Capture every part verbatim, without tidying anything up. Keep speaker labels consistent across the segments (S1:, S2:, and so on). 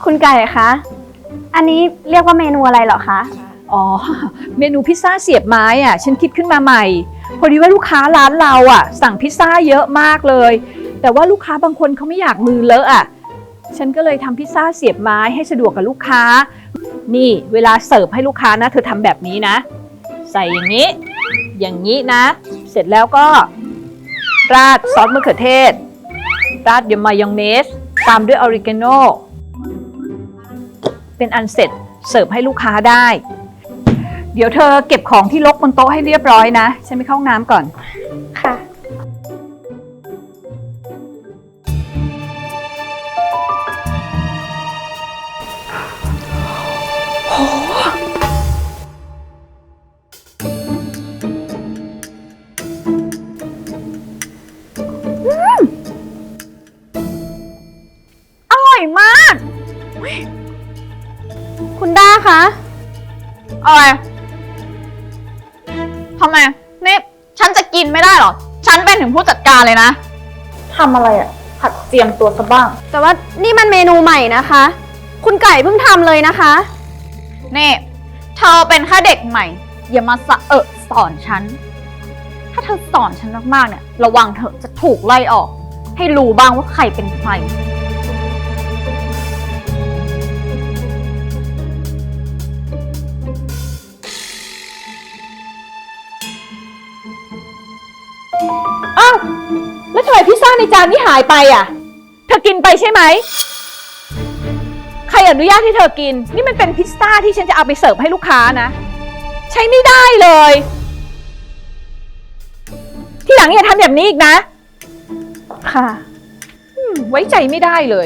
S1: คุณไก่คะอันนี้เรียกว่าเมนูอะไรเหรอคะ
S2: อ๋อเมนูพิซซ่าเสียบไม้อ่ะฉันคิดขึ้นมาใหม่พอดีว่าลูกค้าร้านเราอ่ะสั่งพิซซ่าเยอะมากเลยแต่ว่าลูกค้าบางคนเขาไม่อยากมือเลอะอ่ะฉันก็เลยทำพิซซ่าเสียบไม้ให้สะดวกกับลูกค้านี่เวลาเสิร์ฟให้ลูกค้านะเธอทำแบบนี้นะใส่อย่างนี้อย่างนี้นะเสร็จแล้วก็ราดซอสมะเขือเทศราดด้วยมายองเนสตามด้วยออริกาโนเป็นอันเสร็จเสิร์ฟให้ลูกค้าได้เดี๋ยวเธอเก็บของที่รกบนโต๊ะให้เรียบร้อยนะฉันไปเข้าห้องน้ำก่อน
S1: ค่ะอร่อยมากคุณด้าคะ
S3: อะไรทำไมนี่ฉันจะกินไม่ได้หรอฉันเป็นถึงผู้จัดการเลยนะทำอะไรอ่ะผัดเตรียมตัวซะบ้าง
S1: แต่ว่านี่มันเมนูใหม่นะคะคุณไก่เพิ่งทำเลยนะคะ
S3: นี่เธอเป็นแค่เด็กใหม่อย่ามาสะเอะสอนฉันถ้าเธอสอนฉันมากๆเนี่ยระวังเธอจะถูกไล่ออกให้รู้บ้างว่าใครเป็นใคร
S2: อ้าวแล้วทำไมพิซซ่าในจานนี้หายไปอ่ะเธอกินไปใช่ไหมใครอนุญาตให้เธอกินนี่มันเป็นพิซซ่าที่ฉันจะเอาไปเสิร์ฟให้ลูกค้านะใช้ไม่ได้เลยที่หลังอย่าทำแบบนี้อีกนะ
S1: ค่ะ
S2: ไว้ใจไม่ได้เลย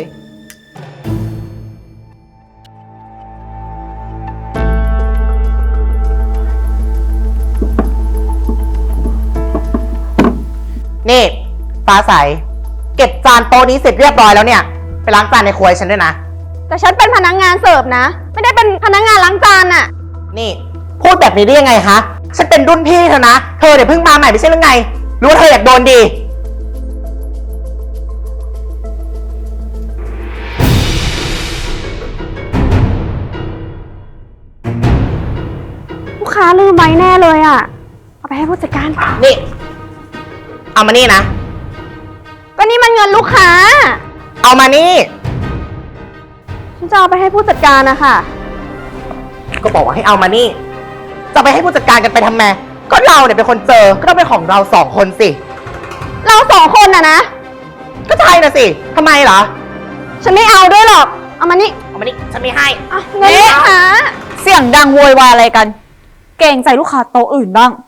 S4: นี่ฟ้าใสเก็บจานโต๊ะนี้เสร็จเรียบร้อยแล้วเนี่ยไปล้างจานในครัวฉันด้วยนะ
S1: แต่ฉันเป็นพนักงานเสิร์ฟนะไม่ได้เป็นพนักงานล้างจานอะ
S4: นี่พูดแบบนี้ได้ยังไงคะฉันเป็นรุ่นพี่เธอนะเธอเดี๋ยวเพิ่งมาใหม่ไม่ใช่หรือไงรู้ว่าเธออยากโดนดี
S1: ลูกค้าลืมไว้แน่เลยอะเอาไปให้ผู้จัดการ
S4: นี่เอามานี่นะ
S1: ก็นี่มันเงินลูกค้า
S4: เอามานี่
S1: ฉันจะเอาไปให้ผู้จัดการนะคะ
S4: ก็บอกว่าให้เอามานี่จะไปให้ผู้จัดการกันไปทำไมก็เราเนี่ยเป็นคนเจอก็ต้องเป็นของเราสองคนสิ
S1: เราสองคนน่ะนะ
S4: ก็ใช่น่ะสิทำไมเหรอ
S1: ฉันไม่เอาด้วยหรอกเอามานี่
S4: เอามานี่ฉันไม่ให้
S1: เงินลูกค้า
S3: เสียงดังโวยวายอะไรกันเกรงใจลูกค้าโต๊ะอื่นบ้าง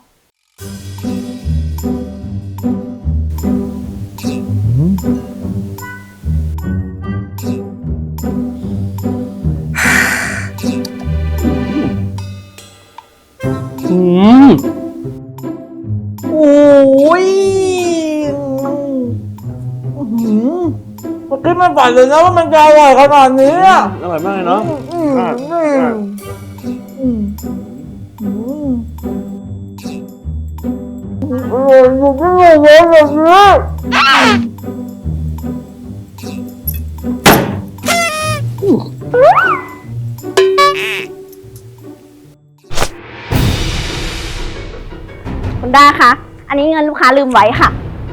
S5: อืมโอ้ยเมื่อกี้ไม่ฝันเลยนะว่ามันจะอร่อยขนาดนี้อ่ะอร่อยมากเลยเนาะอืมอืมอืมอร่อยอยู่ที่ไหนเลยแบบนี้
S1: คุณด้าคะอันนี้เงินลูกค้าลืมไว้ค่ะ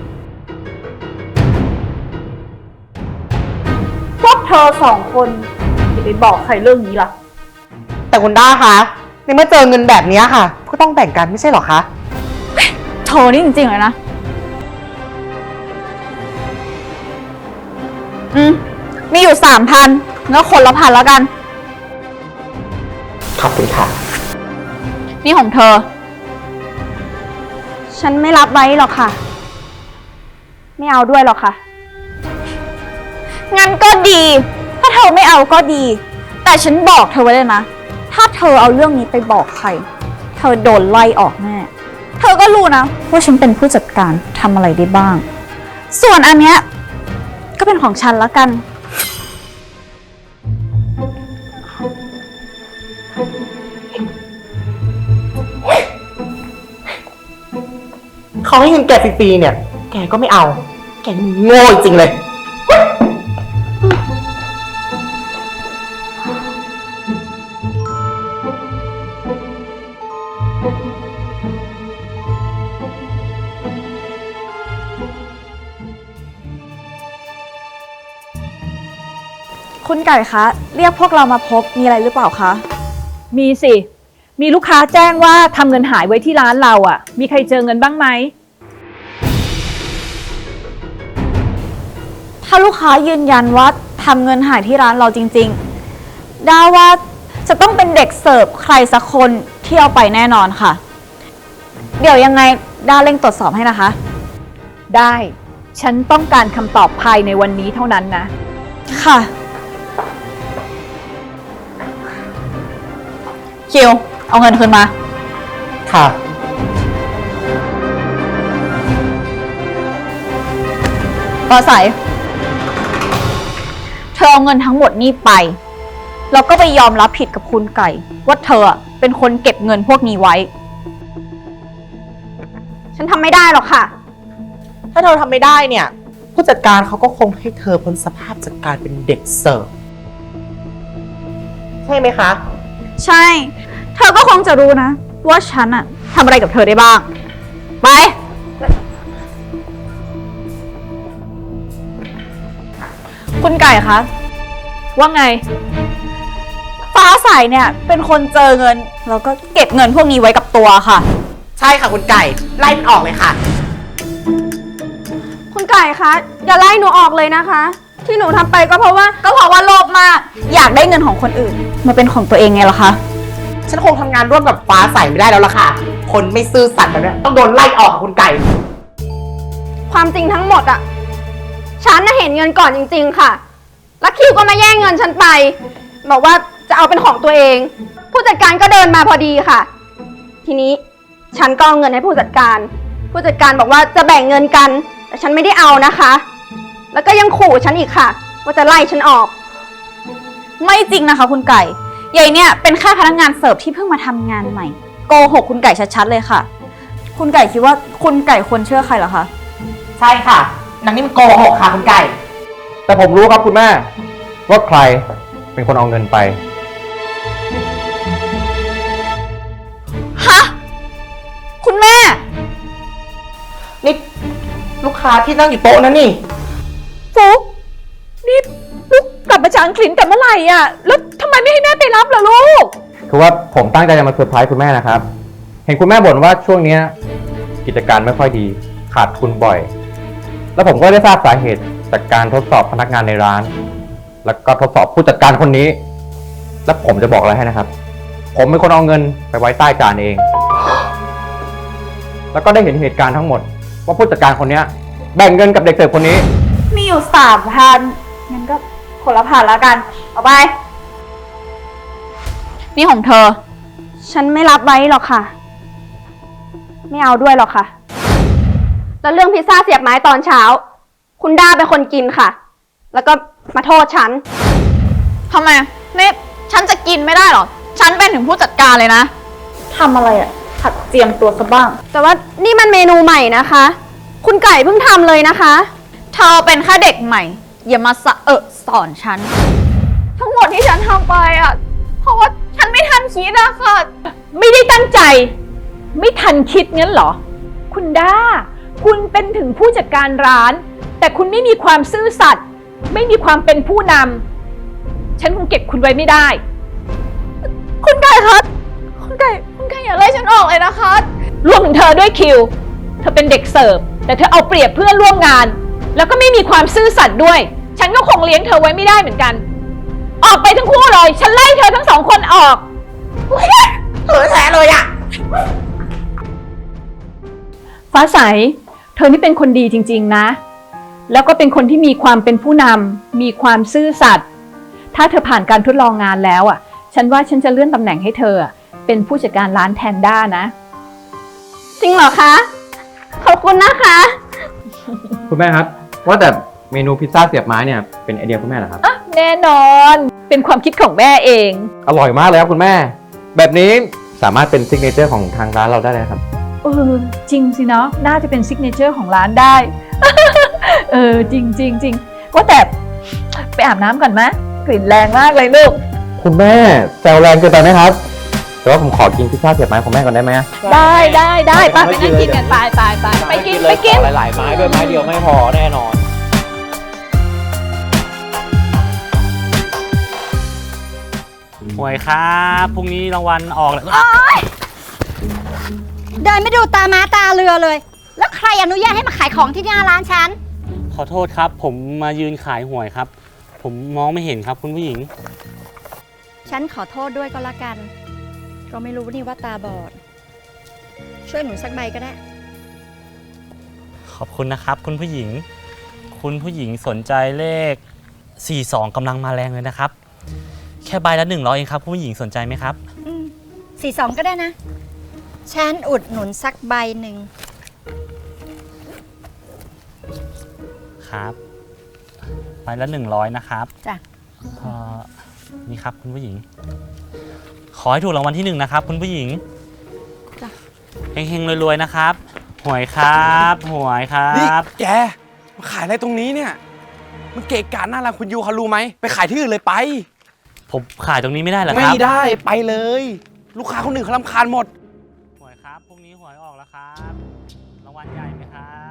S3: พวกเธอสองคนอย่าไปบอกใครเรื่องนี้ล่ะ
S4: แต่คุณด้าคะในเมื่อเจอเงินแบบนี้ค่ะก็ต้องแบ่งกันไม่ใช่หรอคะ
S3: โธ่นี่จริงๆเลยนะอืมมีอยู่สามพันแล้วคนละพันแล้วกัน
S4: ขอบคุณค่ะ
S3: นี่ของเธอ
S1: ฉันไม่รับไว้หรอกค่ะไม่เอาด้วยหรอกค่ะ
S3: งั้นก็ดีถ้าเธอไม่เอาก็ดีแต่ฉันบอกเธอไว้เลยนะถ้าเธอเอาเรื่องนี้ไปบอกใครเธอโดนไล่ออกแน่เธอก็รู้นะว่าฉันเป็นผู้จัดการทำอะไรได้บ้างส่วนอันเนี้ยก็เป็นของฉันแล้วกัน
S4: เขาให้เงินแกฟรีๆเนี่ยแกก็ไม่เอาแกโง่จริงเลย
S3: คุณไก่คะ เรียกพวกเรามาพบมีอะไรหรือเปล่าคะ
S2: มีสิ มีลูกค้าแจ้งว่าทำเงินหายไว้ที่ร้านเราอ่ะ มีใครเจอเงินบ้างไหม
S3: ถ้าลูกค้ายืนยันว่าทำเงินหายที่ร้านเราจริงๆด้าว่าจะต้องเป็นเด็กเสิร์ฟใครสักคนที่เอาไปแน่นอนค่ะ เดี๋ยวยังไงด้าเร่งตรวจสอบให้นะคะ
S2: ได้ ฉันต้องการคำตอบภายในวันนี้เท่านั้นนะ
S3: ค่ะ คิว เอาเงินคืนมา
S4: ค่ะ
S3: ปอใสเธอเอาเงินทั้งหมดนี่ไป แล้วก็ไปยอมรับผิดกับคุณไก่ ว่าเธอเป็นคนเก็บเงินพวกนี้ไว้
S1: ฉันทำไม่ได้หรอกค่ะ
S4: ถ้าเธอทำไม่ได้เนี่ย ผู้จัดการเขาก็คงให้เธอพ้นสภาพจากการเป็นเด็กเสิร์ฟใช่ไหมคะ
S3: ใช่ เธอก็คงจะรู้นะ ว่าฉันอะทำอะไรกับเธอได้บ้าง ไป คุณไก่คะ
S2: ว่าไง
S3: ฟ้าใสเนี่ยเป็นคนเจอเงิน แล้วก็เก็บเงินพวกนี้ไว้กับตัวค่ะ
S4: ใช่ค่ะคุณไก่ ไล่มันออกเลยค่ะ
S1: คุณไก่คะอย่าไล่หนูออกเลยนะคะ ที่หนูทำไปก็เพราะว่า
S3: ก็เพราะว่าโลภมาก อยากได้เงินของคนอื่น มาเป็นของตัวเองไงล่ะคะ
S4: ฉันคงทำงานร่วมกับฟ้าใสไม่ได้แล้วล่ะค่ะ คนไม่ซื่อสัตย์แบบนี้ต้องโดนไล่ออกค่ะคุณไก่
S1: ความจริงทั้งหมดอะฉันน่ะเห็นเงินก่อนจริงๆค่ะ แล้วคิวก็มาแย่งเงินฉันไป บอกว่าจะเอาเป็นของตัวเอง ผู้จัดการก็เดินมาพอดีค่ะ ทีนี้ฉันก็เอาเงินให้ผู้จัดการ ผู้จัดการบอกว่าจะแบ่งเงินกัน แต่ฉันไม่ได้เอานะคะ แล้วก็ยังขู่ฉันอีกค่ะ ว่าจะไล่ฉันออก
S3: ไม่จริงนะคะคุณไก่ใหญ่เนี่ยเป็นแค่พนักงานเสิร์ฟที่เพิ่งมาทำงานใหม่ โกหกคุณไก่ชัดๆเลยค่ะ คุณไก่คิดว่าคุณไก่ควรเชื่อใครเหรอคะ
S4: ใช่ค่ะนางนี่มันโกหกค่ะคุณไก่
S5: แต่ผมรู้ครับคุณแม่ ว่าใครเป็นคนเอาเงินไป
S3: ฮะ คุณแม่
S4: นี่ลูกค้าที่นั่งอยู่โต๊ะนั้นนี่
S2: ฟุกนี่ลูกกลับมาจากอังกฤษแต่เมื่อไหร่อ่ะ แล้วทำไมไม่ให้แม่ไปรับล่ะลูก
S5: คือว่าผมตั้งใจจะมาเซอร์ไพรส์คุณแม่นะครับ เห็นคุณแม่บ่นว่าช่วงเนี้ยกิจการไม่ค่อยดี ขาดทุนบ่อย แล้วผมก็ได้ทราบสาเหตุจากการทดสอบพนักงานในร้าน แล้วก็ทดสอบผู้จัดการคนนี้ แล้วผมจะบอกอะไรให้นะครับ ผมเป็นคนเอาเงินไปไว้ใต้จานเอง แล้วก็ได้เห็นเหตุการณ์ทั้งหมด ว่าผู้จัดการคนเนี้ยแบ่งเงินกับเด็กเสิร์ฟคนนี้
S3: มีอยู่สามพันงั้นก็คนละพันแล้วกัน เอาไป นี่ของเธอ
S1: ฉันไม่รับไว้หรอกค่ะ ไม่เอาด้วยหรอกค่ะ แล้วเรื่องพิซซ่าเสียบไม้ตอนเช้า คุณด้าเป็นคนกินค่ะ แล้วก็มาโทษฉัน
S3: ทำไมนี่ฉันจะกินไม่ได้หรอ ฉันเป็นถึงผู้จัดการเลยนะ ทำอะไรอะหัดเจียมตัวซะบ้าง
S1: แต่ว่านี่มันเมนูใหม่นะคะ คุณไก่เพิ่งทำเลยนะคะ
S3: เธอเป็นแค่เด็กใหม่ อย่ามาสะเอะสอนฉัน ทั้งหมดที่ฉันทำไปอะเพราะว่าฉันไม่ทันคิดอะค่ะ
S2: ไม่ได้ตั้งใจ ไม่ทันคิดงั้นเหรอ คุณด้า คุณเป็นถึงผู้จัดการร้าน แต่คุณไม่มีความซื่อสัตย์ไม่มีความเป็นผู้นำฉันคงเก็บคุณไว้ไม่ได้
S3: คุณไก่คะคุณไก่คุณไก่อย่าไล่ฉันออกเลยนะคะ
S2: รวมถึงเธอด้วยคิว เธอเป็นเด็กเสิร์ฟแต่เธอเอาเปรียบเพื่อนร่วมงาน แล้วก็ไม่มีความซื่อสัตย์ด้วย ฉันก็คงเลี้ยงเธอไว้ไม่ได้เหมือนกัน ออกไปทั้งคู่เลย ฉันไล่เธอทั้งสองคนออก
S4: เออแท้เลยอะ
S2: ฟ้าใส เธอนี่เป็นคนดีจริงๆนะ แล้วก็เป็นคนที่มีความเป็นผู้นำมีความซื่อสัตย์ถ้าเธอผ่านการทดลองงานแล้วอ่ะ ฉันว่าฉันจะเลื่อนตำแหน่งให้เธอเป็นผู้จัดการร้านแทนด้านะ
S1: จริงเหรอคะ ขอบคุณนะคะ
S5: คุณแม่ครับ ว่าแต่เมนูพิซซ่าเสียบไม้เนี่ยเป็นไอเดียคุณแม่เหรอครับ
S2: แน่นอน เป็นความคิดของแม่เอง
S5: อร่อยมากเลยครับคุณแม่ แบบนี้สามารถเป็นซิกเนเจอร์ของทางร้านเราได้เลยครับ
S2: เออจริงสิเนาะน่าจะเป็นซิกเนเจอร์ของร้านได้ เออจริงจริงจริงว่าแต่ไปอาบน้ำก่อนไหมกลิ่นแรงมากเลยลูก
S5: คุณแม่แซวแรงเกินไปไหมครับ แต่ว่าผมขอกินพิซซ่าเสียบไม้ของแม่ก่อนได้ไหม
S2: ได้ได้ได้ไปไปนั่งกินกันไปไปไปไปกินไปกิน
S5: หลายๆไม้ด้วยไม้เดียวไม่พอแน่นอน
S6: วยครับพรุ่งนี้รางวัลออกแล้ว
S7: เดินไม่ดูตาม้าตาเรือเลย แล้วใครอนุญาตให้มาขายของที่หน้าร้านฉัน
S6: ขอโทษครับ ผมมายืนขายหวยครับ ผมมองไม่เห็นครับคุณผู้หญิง
S7: ฉันขอโทษด้วยก็แล้วกัน ก็ไม่รู้นี่ว่าตาบอด ช่วยหนุนสักใบก็ได้
S6: ขอบคุณนะครับ คุณผู้หญิง คุณผู้หญิงสนใจเลข สี่สอง กำลังมาแรงเลยนะครับ แค่ใบละหนึ่งร้อยเองครับคุณผู้หญิงสนใจไหมครับ
S7: อืมสี่สองก็ได้นะ ฉันอุดหนุนสักใบหนึ่ง
S6: ครับใบละหนึ่งร้อยนะครับ
S7: จ้ะ
S6: เอ่อนี่ครับคุณผู้หญิง ขอให้ถูกรางวัลที่หนึ่งนะครับ คุณผู้หญิง
S7: จ้ะ
S6: เฮงๆรวยๆนะครับหวยครับหวยครั
S8: นี่
S6: บ
S8: แกมาขายอะไรตรงนี้เนี่ย มันเกะกะหน้าร้านคุณยูเขารู้ไหม ไปขายที่อื่นเลยไป
S6: ผมขายตรงนี้ไม่ได้เหรอค
S8: ไม่
S6: รับ
S8: ได้ไปเลย ลูกค้าคนอื่นเขารำคาญหมด
S6: หวยครับพรุ่งนี้หวยออกแล้วครับ รางวัลใหญ่ไหมครับ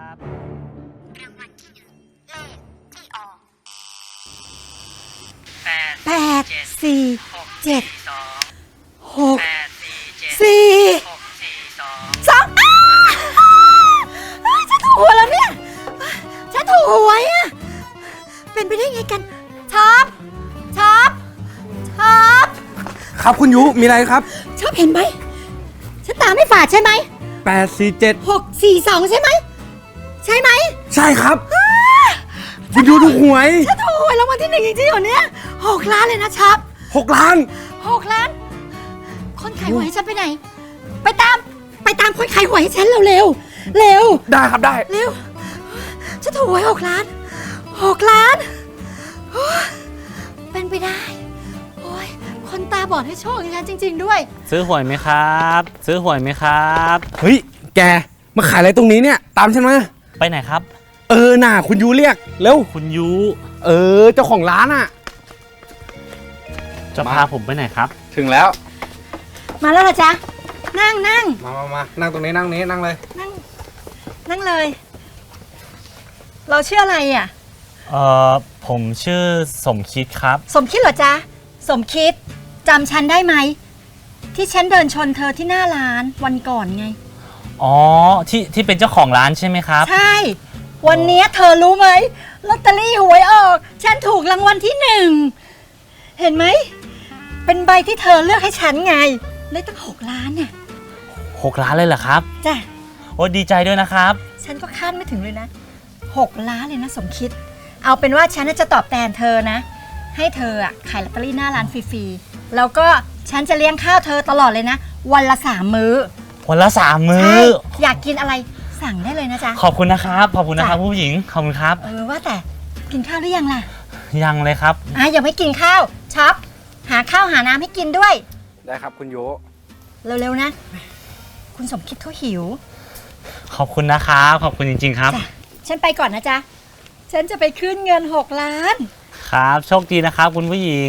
S7: แปดสี่เจ็ดหกสี่สองอ้าวเฮ้ยฉันถูกหวยแล้วเนี่ย ฉันถูกหวยอ่ะ เป็นไปได้ไงกันช็อปช็อปช็อป
S8: ครับคุณยูมีอะไรครับ
S7: ชอบเห็นไหม ฉันตาไม่ฝาดใช่ไหม
S8: แปด สี่ เจ็ด
S7: หกสี่สองใช่ไหม ใช่ไหม
S8: ใช่ครับ คุณยูถูกหวย
S7: ฉันถูกหวยรางวัลที่หนึ่งจริงๆเหรอเนี่ยหกล้านเลยนะช็อป
S8: หกล้าน
S7: หกล้าน คนขายหวยให้ฉันไปไหน ไปตาม ไปตามคนขายหวยให้ฉันเร็วเร็วเร็ว
S8: ได้ครับได้
S7: เร็ว ฉันถูกหวยหกล้านหกล้านโอ้ยเป็นไปได้ โอ้ย คนตาบอดให้โชคอย่างฉันจริง ๆ ด้วย
S6: ซื้อหวยไหมครับ ซื้อหวยไหมครับ
S8: เฮ้ย แกมาขายอะไรตรงนี้เนี่ย ตามฉันมา
S6: ไปไหนครับ
S8: เออน่ะคุณยูเรียก เร็ว
S6: คุณยู
S8: เออ เจ้าของร้านอ่ะ
S6: จะพาผมไปไหนครับ
S8: ถึงแล้ว
S7: มาแล้วเหรอจ๊ะ นั่งนั่ง
S8: มามามานั่งตรงนี้นั่งนี้นั่งเลย
S7: นั่ง นั่งเลย เราชื่ออะไรอ่ะ
S6: เอ่อ ผมชื่อสมคิดครับ
S7: สมคิดเหรอจ๊ะ สมคิดจำฉันได้ไหม ที่ฉันเดินชนเธอที่หน้าร้านวันก่อนไง
S6: อ๋อ ที่ที่เป็นเจ้าของร้านใช่ไหมครับ
S7: ใช่ วันเนี้ยเธอรู้ไหมลอตเตอรี่หวยออก ฉันถูกรางวัลที่หนึ่ง เห็นไหม เป็นใบที่เธอเลือกให้ฉันไง เลยตั้งหกล้านเนี่ย
S6: หกล้านเลยเหรอครับ
S7: จ้ะ
S6: โอ้ดีใจด้วยนะครับ
S7: ฉันก็คาดไม่ถึงเลยนะหกล้านเลยนะสมคิด เอาเป็นว่าฉันน่ะจะตอบแทนเธอนะ ให้เธออะขายลอตเตอรี่หน้าร้านฟรีๆ แล้วก็ฉันจะเลี้ยงข้าวเธอตลอดเลยนะ วันละสามมื้อ
S6: วันละสามมื้
S7: ใช่
S6: อ
S7: อยากกินอะไรสั่งได้เลยนะจ๊ะ
S6: ขอบคุณนะครับ ขอบคุณนะครับผู้หญิง ขอบคุณครับ
S7: เออว่าแต่กินข้าวหรือยังล่ะ
S6: ยังเลยครับ
S7: อ่ะยังไม่กินข้าวช็อปหาข้าวหาน้ำให้กินด้วย
S8: ได้ครับคุณยู
S7: เร็วๆนะ คุณสมคิดเขาหิว
S6: ขอบคุณนะครับ ขอบคุณจริงๆครับ
S7: จ้ะ ฉันไปก่อนนะจ๊ะ ฉันจะไปขึ้นเงินหกล้าน
S6: ครับ โชคดีนะครับ คุณผู้หญิง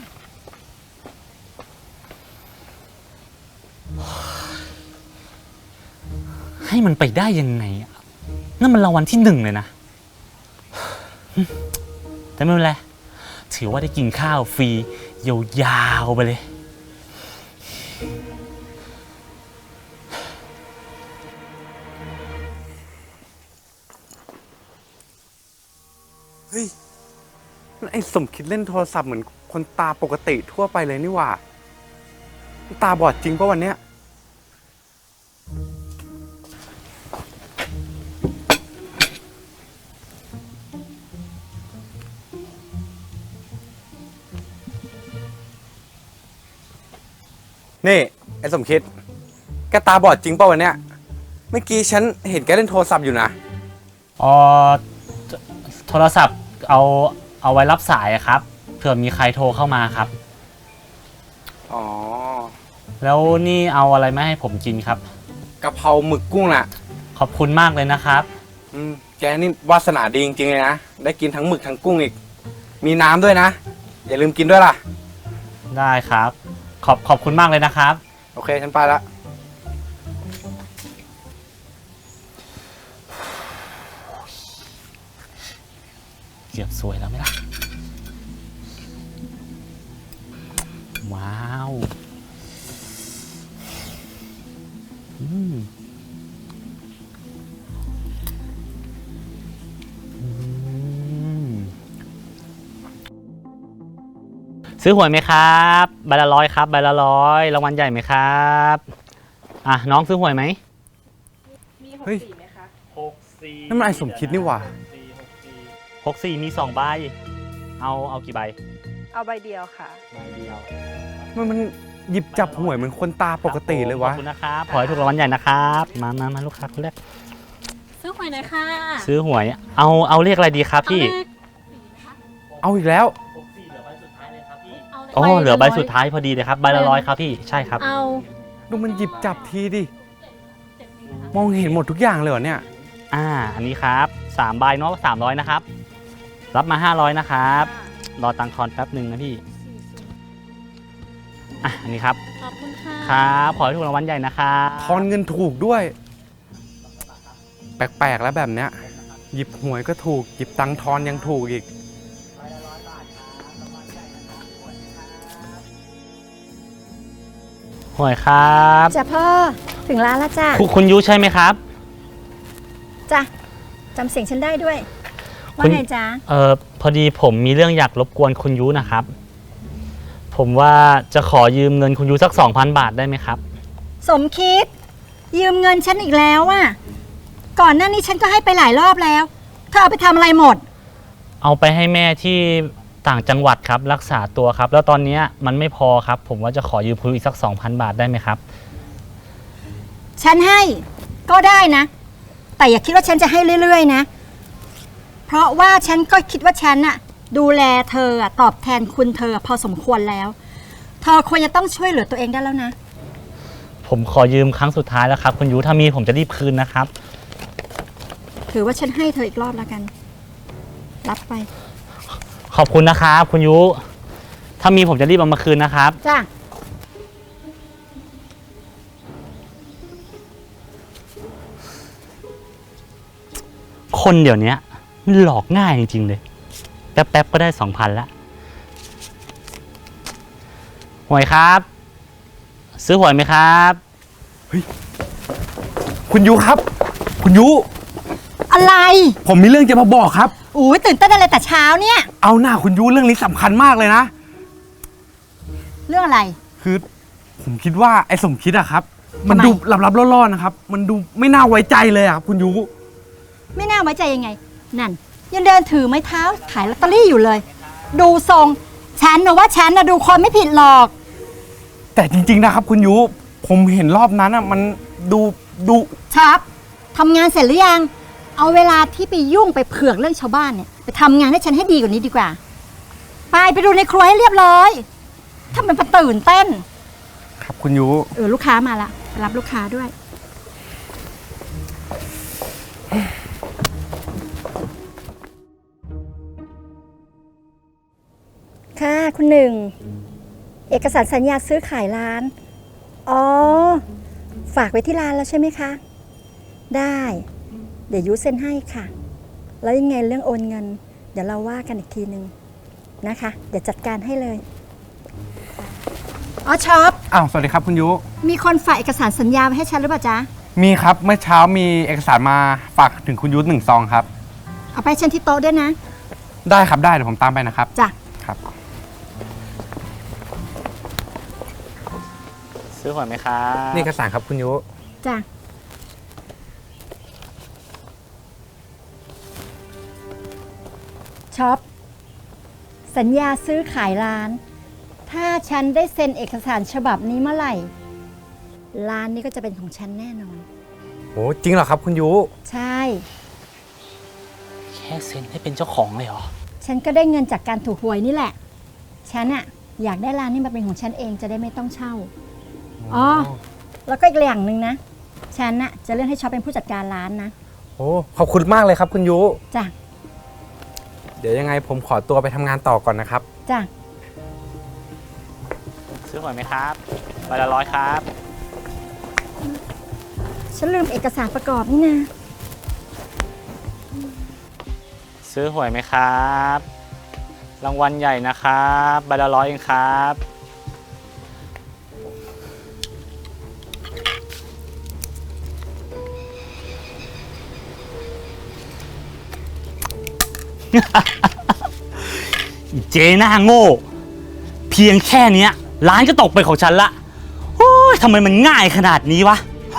S6: ให้มันไปได้ยังไงอะนั่นมันรางวัลที่หนึ่งเลยนะ แต่ไม่เป็นไร ถือว่าได้กินข้าวฟรียาวๆไปเลย
S8: เฮ้ยนั่นไอ้สมคิดเล่นโทรศัพท์เหมือนคนตาปกติทั่วไปเลยนี่หว่า ตาบอดจริงปะวันเนี้ย นี่ ไอ้สมคิด แกตาบอดจริงปะวันเนี้ย เมื่อกี้ฉันเห็นแกเล่นโทรศัพท์อยู่นะ
S6: อ๋อโทรศัพท์เอาเอาไว้รับสายอะครับเผื่อมีใครโทรเข้ามาครับ
S8: อ๋อ
S6: แล้วนี่เอาอะไรมาให้ผมกินครับ
S8: กะเพราหมึกกุ้งน่ะ
S6: ขอบคุณมากเลยนะครับ
S8: อืมแกนี่วาสนาดีจริงๆเลยนะ ได้กินทั้งหมึกทั้งกุ้งอีก มีน้ำด้วยนะ อย่าลืมกินด้วยล่ะ
S6: ได้ครับ ขอบขอบคุณมากเลยนะครับ
S8: โอเค ฉันไปละ
S6: เกือบสวยแล้วไหมล่ะ อืว้าวอืมอืมซื้อหวยไหมครับใบละร้อยครับใบละร้อยรางวัลใหญ่ไหมครับอ่ะน้องซื้อหวยไหม
S8: เฮ้ย
S6: หกสี่
S8: นั่นมันไอ้สมคิดนี่หว่า
S6: หกสี่มีสองใบเอาเอากี่ใบ
S2: เอาใบเดียวค่ะ
S6: ใบเดียว
S8: มันมันหยิบจับหวยเหมือนคนตาปกติเลยวะ
S6: ขอบคุณนะครับขอให้ถูกรางวัลใหญ่นะครับมามามาลูกค้าคนแรก
S9: ซื้อหวยหน่อยค่ะ
S6: ซื้อหวยเอาเอาเลขอะไรดีครับพี่
S8: เอาอีกแล้ว
S6: อ๋อเหลือใบสุดท้ายพอดีเลยครับใบละร้อยครับพี่ใช่ครับ
S9: เอา
S8: ดูมันหยิบจับทีดิ มองเห็นหมดทุกอย่างเลยเหรอเนี่ย
S6: อ่าอันนี้ครับสามใบเนาะสามร้อยนะครับรับมาห้าร้อยนะครับรอตังค์ทอนแป๊บหนึ่งนะพี่อ่ะอันนี้ครับ
S9: ขอบคุณค่ะ
S6: ครับขอให้ถูกรางวัลใหญ่นะครับ
S8: ทอนเงินถูกด้วย แปลกๆแล้วแบบเนี้ย หยิบหวยก็ถูก หยิบตังค์ทอนยังถูกอีก
S6: หวยครับ
S7: จ้ะพ่อถึงร้านแล้วจ้ะ
S6: คุณคุณยุใช่ไหมครับ
S7: จ้ะจำเสียงฉันได้ด้วย ว่า
S6: คุณ
S7: ไงจ๊ะ
S6: เออพอดีผมมีเรื่องอยากรบกวนคุณยุนะครับ ผมว่าจะขอยืมเงินคุณยุสัก สองพัน บาทได้ไหมครับ
S7: สมคิด ยืมเงินฉันอีกแล้วอ่ะก่อนหน้านี้ฉันก็ให้ไปหลายรอบแล้วเธอเอาไปทำอะไรหมด
S6: เอาไปให้แม่ที่ต่างจังหวัดครับรักษาตัวครับ แล้วตอนนี้มันไม่พอครับ ผมว่าจะขอยืมคุณยุอีกสัก สองพัน บาทได้ไหมครับ
S7: ฉันให้ก็ได้นะ แต่อย่าคิดว่าฉันจะให้เรื่อยๆนะ เพราะว่าฉันก็คิดว่าฉันน่ะดูแลเธออะตอบแทนคุณเธอพอสมควรแล้ว เธอควรจะต้องช่วยเหลือตัวเองได้แล้วนะ
S6: ผมขอยืมครั้งสุดท้ายแล้วครับคุณยุถ้ามีผมจะรีบคืนนะครับ
S7: ถือว่าฉันให้เธออีกรอบแล้วกัน รับไป
S6: ขอบคุณนะครับคุณยุถ้ามีผมจะรีบเอามาคืนนะครับ
S7: จ้ะ
S6: คนเดี๋ยวนี้มันหลอกง่ายจริงๆเลย แป๊บๆก็ได้สองพันละหวยครับ ซื้อหวยไหมครับ
S8: คุณยุครับ คุณยุ
S7: อะไร
S8: ผมมีเรื่องจะมาบอกครับ
S7: อุ้ยตื่นเต้นอะไรแต่เช้าเนี่ย
S8: เอาหน้าคุณยุเรื่องนี้สำคัญมากเลยนะ
S7: เรื่องอะไร
S8: คือผมคิดว่าไอ้สมคิดอะครับ มัน
S7: ทำไม
S8: ดูลับๆล่อๆนะครับ มันดูไม่น่าไว้ใจเลยอะครับคุณยุ
S7: ไม่น่าไว้ใจยังไง นั่น ยังเดินถือไม้เท้าขายลอตเตอรี่อยู่เลย ดูทรงฉันนะว่าฉันนะดูคนไม่ผิดหรอก
S8: แต่จริงๆนะครับคุณยุผมเห็นรอบนั้นอะมันดูดู
S7: ชับทำงานเสร็จหรือยัง เอาเวลาที่ไปยุ่งไปเผือกเรื่องชาวบ้านเนี่ยไปทำงานให้ฉันให้ดีกว่านี้ดีกว่า ไปไปดูในครัวให้เรียบร้อยถ้ามันประตื่นเต้น
S8: ครับคุณยุ
S7: เออลูกค้ามาละไปรับลูกค้าด้วย ค่ะคุณหนึ่ง เอกสารสัญญาซื้อขายร้าน อ๋อ ฝากไว้ที่ร้านแล้วใช่ไหมคะ ได้ เดี๋ยวยูเซ็นให้ค่ะ แล้วยังไงเรื่องโอนเงิน เดี๋ยวเราว่ากันอีกทีนึงนะคะ เดี๋ยวจัดการให้เลย อ๋อช็อป
S8: อ้าวสวัสดีครับคุณยุ
S7: มีคนฝากเอกสารสัญญาไว้ให้ฉันหรือเปล่าจ๊ะ
S8: มีครับเมื่อเช้ามีเอกสารมาฝากถึงคุณยุหนึ่งซองครับ
S7: เอาไปให้ฉันที่โต๊ะด้วยนะ
S8: ได้ครับได้เดี๋ยวผมตามไปนะครับ
S7: จ้ะ
S8: ครับ
S6: ซื้อหวยไหมครับ
S8: นี่เอกสารครับคุณยุ
S7: จ้ะ ช็อป สัญญาซื้อขายร้าน ถ้าฉันได้เซ็นเอกสารฉบับนี้เมื่อไหร่ ร้านนี้ก็จะเป็นของฉันแน่นอน
S8: โอ้จริงเหรอครับคุณยุ
S7: ใช่
S6: แค่เซ็นให้เป็นเจ้าของเลยเหรอ
S7: ฉันก็ได้เงินจากการถูกหวยนี่แหละ ฉันอะอยากได้ร้านนี้มาเป็นของฉันเองจะได้ไม่ต้องเช่า อ๋อ แล้วก็อีกอย่างหนึ่งนะ ฉันอะจะเลื่อนให้ช็อปเป็นผู้จัดการร้านนะ
S8: โอ้ขอบคุณมากเลยครับคุณยุ
S7: จ้ะ
S8: เดี๋ยวยังไงผมขอตัวไปทำงานต่อก่อนนะครับ
S7: จ้ะ
S6: ซื้อหวยไหมครับใบละร้อยครับ
S7: ฉันลืมเอกสารประกอบนี่นะ
S6: ซื้อหวยไหมครับ รางวัลใหญ่นะครับใบละร้อยเองครับเจ๊หน้าโง่ เพียงแค่เนี้ยร้านก็ตกเป็นของฉันละโอ้ยทำไมมันง่ายขนาดนี้วะ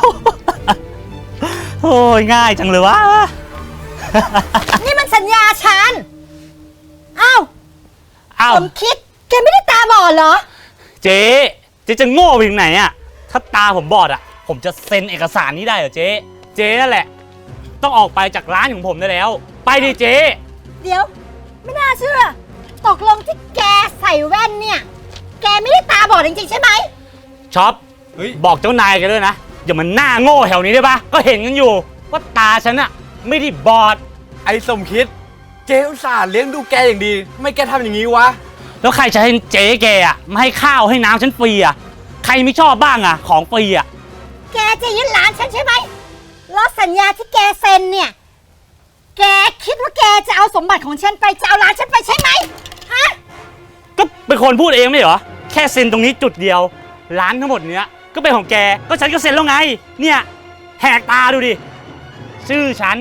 S6: โอ้ยง่ายจังเลยวะ
S7: นี่มันสัญญาฉันอ้าว
S6: อ้าว
S7: ผมคิด แกไม่ได้ตาบอดเหรอ
S6: เจ๊เจ๊จะโง่ไปถึงไหนอะถ้าตาผมบอดอะผมจะเซ็นเอกสารนี้ได้เหรอเจ๊เจ๊นั่นแหละ ต้องออกไปจากร้านของผมได้แล้ว ไปดิเจ๊
S7: เดี๋ยว ไม่น่าเชื่อ ตกลงที่แกใส่แว่นเนี่ย แกไม่ได้ตาบอดจริงๆใช่ไหม
S6: ช็อปบอกเจ้านายแกันด้วยนะอย่ามันหน้าโง่แถวนี้ได้ปะก็เห็นกันอยู่ว่าตาฉันอะไม่ได้บอด
S8: ไอ้สมคิด เจ๊อุตส่าห์เลี้ยงดูแกอย่างดีทำไมแกทำอย่างนี้วะ
S6: แล้วใครจะให้เจ๊แกอะมาให้ข้าวให้น้ำฉันฟรีอะใครไม่ชอบบ้างอะของฟรีอะ
S7: แกจะยึดร้านฉันใช่ไหมแล้วสัญญาที่แกเซ็นเนี่ย แกคิดว่าแกจะเอาสมบัติของฉันไปจะเอาร้านฉันไปใช่ไหมฮะ
S6: ก็เป็นคนพูดเองไม่เหรอแค่เซ็นตรงนี้จุดเดียวร้านทั้งหมดเนี้ยก็เป็นของแกก็ฉันก็เซ็นแล้วไงเนี่ยแหกตาดูดิชื่อฉัน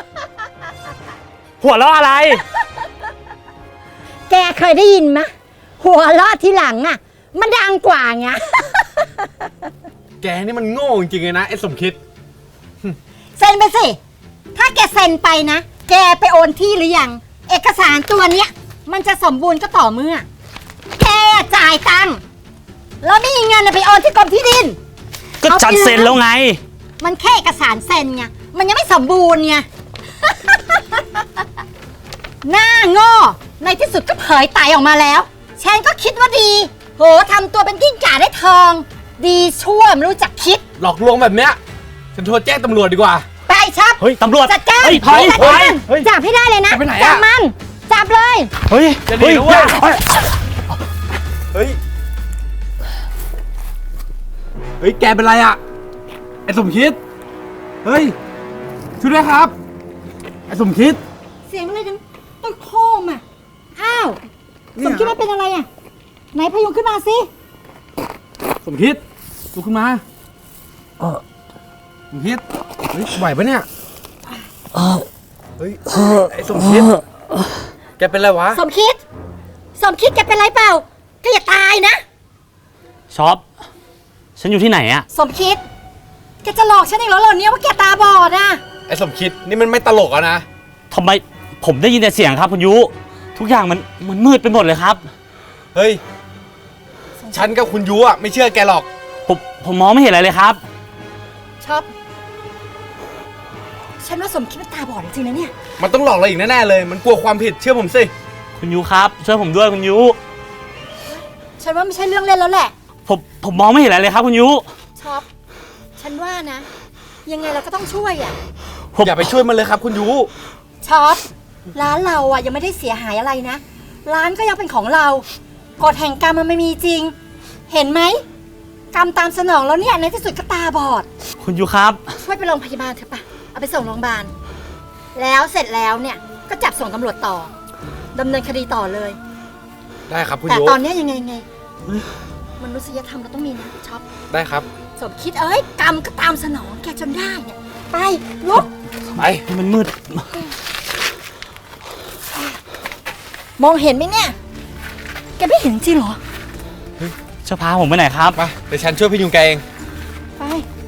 S6: หัวเราะอะไร
S7: แกเคยได้ยินไหมหัวเราะทีหลังอ่ะ มันดังกว่าไง
S8: แกนี่มันโง่จริงๆเลยนะไอ้สมคิด
S7: เซ็นไปสิ ถ้าแกเซ็นไปนะ แกไปโอนที่หรือยัง เอกสารตัวเนี้ย มันจะสมบูรณ์ก็ต่อเมื่อ แกจ่ายตังค์แล้วไม่มีเงินไปโอนที่กรมที่ดิน
S6: ก็ฉันเซ็นแล้วไง
S7: มันแค่เอกสารเซ็นไง มันยังไม่สมบูรณ์ไง หน้าโง่ ในที่สุดก็เผยไตออกมาแล้ว ฉันก็คิดว่าดี โหทำตัวเป็นกิ้งก่าได้ทอง ดีชั่วไม่รู้จักคิด
S8: หลอกลวงแบบเนี้ย ฉันโทรแจ้งตำรวจดีกว่า
S7: ไปชับ
S6: เฮ้ยตำรวจ
S7: จัดการ
S6: เฮ้ยถอย
S7: จัด
S6: ถอ
S7: การ
S6: ย
S8: เฮ้ย
S7: จับให้ได้เลยนะ
S8: จะไปไหนอะ
S7: จับมัน จับเลย
S6: เฮ้ย
S8: จะดีนะเว้ย
S6: ฮ้
S8: เฮ้ย เฮ้ย แกเป็นไรอะไอ้สมคิด เฮ้ย ช่วยด้วยครับ ไอ้สมคิด
S7: เสียงอะไรดังต้นโคมอ่ะ อ้าว สมคิดว่าเป็นอะไรอ่ะ ไหนพยุงขึ้นมาสิ
S8: สมคิดลุกขึ้นมาเออสมคิด เฮ้ยไหวปะเนี่ยเฮ้ย ไอ้สมคิด แกเป็นไรวะ
S7: สมคิด สมคิดแกเป็นไรเปล่าแกอย่าตายนะ
S6: ช็อปฉันอยู่ที่ไหนอะ
S7: สมคิด แกจะหลอกฉันอีกแล้วเหรอเนี่ยว่าแกตาบอดอ่ะ
S8: ไอ้สมคิด นี่มันไม่ตลกอะนะ
S6: ทำไมผมได้ยินแต่เสียงครับคุณยุทุกอย่างมันมันมืดไปหมดเลยครับ
S8: เฮ้ย ฉันกับคุณยูอะไม่เชื่อแกหรอก
S6: ผมผมมองไม่เห็นอะไรเลยครับ
S7: ชอบ ฉันว่าสมคิดมันตาบอดจริงๆนะเนี่ย
S8: มันต้องหลอกเราอีกแน่ๆเลย มันกลัวความผิด เชื่อผมสิ
S6: คุณยุครับช่วยผมด้วยคุณยุ
S7: ฉันว่าไม่ใช่เรื่องเล่นแล้วแหละ
S6: ผมผมมองไม่เห็นอะไรเลยครับคุณยุ
S7: ชอบ ฉันว่านะ ยังไงเราก็ต้องช่วยอ่ะ
S6: ผม
S8: อย่าไปช่วยมันเลยครับคุณยู
S7: ช็อป ร้านเราอ่ะยังไม่ได้เสียหายอะไรนะ ร้านก็ยังเป็นของเรากฎแห่งกรรมมันไม่มีจริง เห็นไหมกรรมตามสนองแล้วเนี่ยในที่สุดก็ตาบอด
S6: คุณยุครับ
S7: ช่วยไปโรงพยาบาลเถอะปะเอาไปส่งโรงพยาบาล แล้วเสร็จแล้วเนี่ยก็จับส่งตำรวจต่อดำเนินคดีต่อเลย
S8: ได้ครับคุณ
S7: แต่
S8: ยู
S7: ตอนเนี้ยยังไงไงมนุษยธรรมเราต้องมีนะช็อป
S8: ได้ครับ
S7: สมคิดเอ้ยกรรมก็ตามสนองแกจนได้เนี่ยไปลุก
S8: ไป
S6: มันมืด
S7: มองเห็นไหมเนี่ย แกไม่เห็นจริงเหรอ
S6: จะพาผมไปไหนครับ
S8: ไปเดี๋ยวฉันช่วยพยุงแกเอง
S7: ไป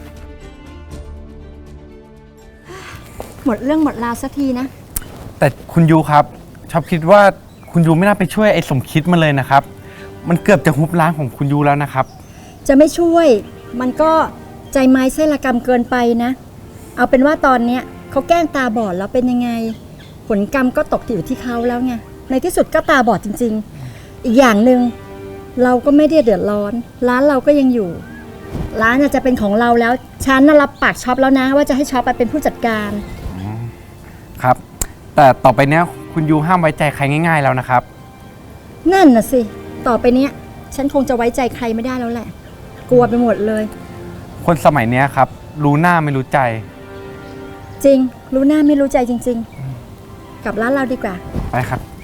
S7: หมดเรื่องหมดราวสักทีนะ
S8: แต่คุณยูครับ ชอบคิดว่าคุณยูไม่น่าไปช่วยไอ้สมคิดมันเลยนะครับ มันเกือบจะฮุบร้านของคุณยูแล้วนะครับ
S7: จะไม่ช่วย มันก็ใจไม้ไส้ละกรรมเกินไปนะ เอาเป็นว่าตอนเนี้ยเขาแกล้งตาบอดแล้วเป็นยังไง ผลกรรมก็ตกอยู่ที่เขาแล้วไง ในที่สุดก็ตาบอดจริงๆ อีกอย่างหนึ่งเราก็ไม่ได้เดือดร้อน ร้านเราก็ยังอยู่ ร้านน่ะจะเป็นของเราแล้ว ฉันน่ะรับปากช็อปแล้วนะ ว่าจะให้ช็อปไปเป็นผู้จัดการ
S8: ครับ แต่ต่อไปเนี้ยคุณยูห้ามไว้ใจใครง่ายๆแล้วนะครับ
S7: นั่นน่ะสิ ต่อไปเนี้ยฉันคงจะไว้ใจใครไม่ได้แล้วแหละ กลัวไปหมดเลย
S8: คนสมัยเนี้ยครับ รู้หน้าไม่รู้ใจ
S7: จริง รู้หน้าไม่รู้ใจจริง ๆ กลับร้านเราดีกว่า
S8: ไปครับ